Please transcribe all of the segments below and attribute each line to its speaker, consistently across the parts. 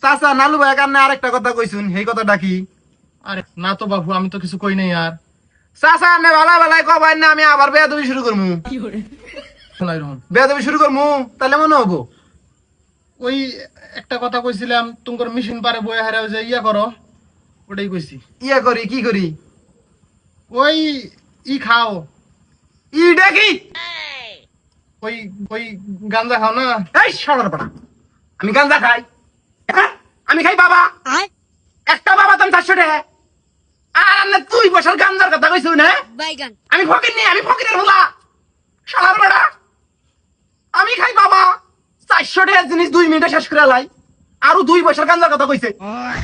Speaker 1: চাচা নালু ভাই কারণে আরেকটা কথা কইছুন, সেই কথাটা কি?
Speaker 2: আরে না তো বাবু, আমি তো কিছু কই নাই আর।
Speaker 1: চাচা আপনি ভালো ভালাই কবাই না, আমি আবার বেয়াদবি শুরু করবো।
Speaker 2: শোনাই রহন,
Speaker 1: বেয়াদবি শুরু করবো তাহলে মনে হবো।
Speaker 2: ওই একটা কথা কইছিলাম, তোমার মেশিন পারে বই হারা যে ইয়া করো, ওটাই কইছি।
Speaker 1: ইয়া করি কি করি?
Speaker 2: ওই খাও,
Speaker 1: ইটা কি?
Speaker 2: ওই ওই গাঞ্জা খাও না।
Speaker 1: এই সরার পাড়া, আমি গাঞ্জা খাই? হ্যাঁ? আমি খাই বাবা, একটা বাবা তুমি 400 টাকা। আর না তুই বছর গাঞ্জার কথা কইছু না? আমি ফকির নি, আমি ফকিরের হোলা শালার বেড়া। আমি খাই বাবা 400 টাকার জিনিস 2 মিনিটে শেষ করে লাই, আরো 2 বছর গাঞ্জার কথা কইছে।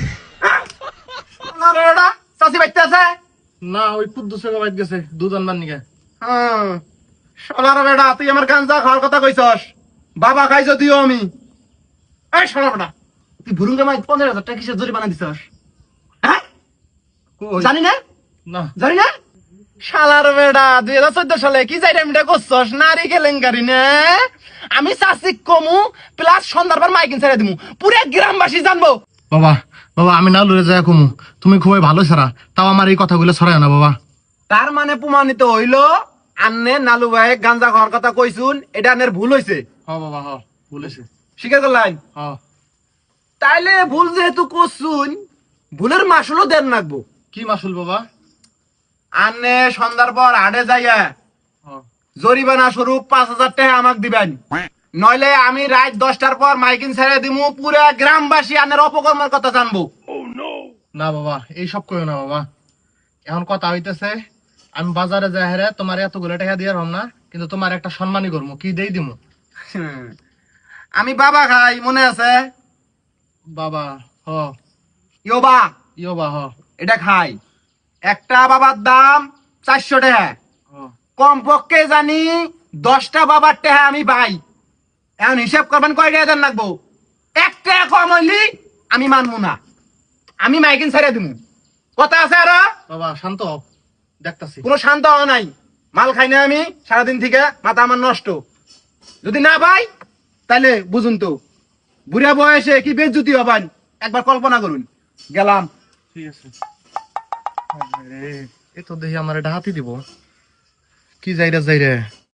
Speaker 1: শালার বেড়া, চাচি বাইতে আছে?
Speaker 2: না, ওই কুদ্দুসে বাইত গেছে দুধ আনবার নিকে।
Speaker 1: হ্যাঁ, শালার বেড়া তুই আমার গাঞ্জা খাওয়ার কথা কইছস, বাবা খাই যদিও আমি। এই শালার বেড়া, তুই ভুরুঙ্গে মাই 15,000 টাকা কিসের জরিমানা দিছস? হ্যাঁ
Speaker 2: কই?
Speaker 1: জানি না,
Speaker 2: না
Speaker 1: জানি না। শালার বেড়া 2014 সালে কি যাই টাইমটা করছস? নারী কেলেঙ্কারি না? আমি চাষি কমু প্লাস সন্ধ্যার মাইকিন ছেড়ে দিমু, পুরো গ্রামবাসী জানবো।
Speaker 2: বাবা, বাবা আমি না লড়ে যাই কমু, তুমি খুবই ভালো ছাড়া, তাও আমার এই কথাগুলো ছড়ায় না বাবা।
Speaker 1: তার মানে প্রমাণিত হইলো আন্নে নালু ভাই গাঞ্জা খাওয়ার কথা কইছুন, এটা আন্নের ভুল হইছে।
Speaker 2: হ বাবা হ, বলেছে।
Speaker 1: স্বীকার করলেন?
Speaker 2: হ।
Speaker 1: তাইলে ভুল যেহেতু করছুন, ভুলের মাসুলও দেন রাখবো।
Speaker 2: কি মাসুল বাবা?
Speaker 1: আন্নে সন্ধ্যার পর হাটে যাইয়া
Speaker 2: হ।
Speaker 1: জরিমানা স্বরূপ 5,000 টাকা আমাকে দিবেন, নইলে আমি রাত 10টার পর মাইকিন ছেড়ে দিমু, পুরা গ্রামবাসী আন্নের অপকর্মের কথা জানবো।
Speaker 2: না বাবা, এইসব কইও না বাবা। এখন কথা হইতেছে, আমি বাজারে যাই হেরে তোমার এতগুলো টাকা দিয়ে রম না, কিন্তু তোমার একটা সম্মানই করবো, কি দেই দিমু?
Speaker 1: আমি বাবা খাই, মনে আছে?
Speaker 2: বাবা হ।
Speaker 1: ইয়োবা,
Speaker 2: ইয়ো বা হ।
Speaker 1: এটা খাই। একটা বাবার দাম 400 টাকা।
Speaker 2: হ।
Speaker 1: কমপক্ষে জানি 10টা বাবার টাকা আমি পাই। এখন হিসাব করবেন কয় টাকা দেন লাগবো? 1 টাকা কম হইলি আমি মানবো না, আমি মাইকিন ছেড়ে দিমু। কথা আছে আর?
Speaker 2: বাবা শান্ত হও, দেখতাছি।
Speaker 1: কোনো শান্ত হওয়া নাই, মাল খাই না আমি সারাদিন থেকে, মাথা আমার নষ্ট। যদি না পাই তাহলে বুঝুন তো বুড়া বয়সে কি বেজ্জুতি হবেন, একবার কল্পনা করুন। গেলাম।
Speaker 2: ঠিক আছে। এ তো দেখি আমার এটা হাতি দিব, কি যাই রে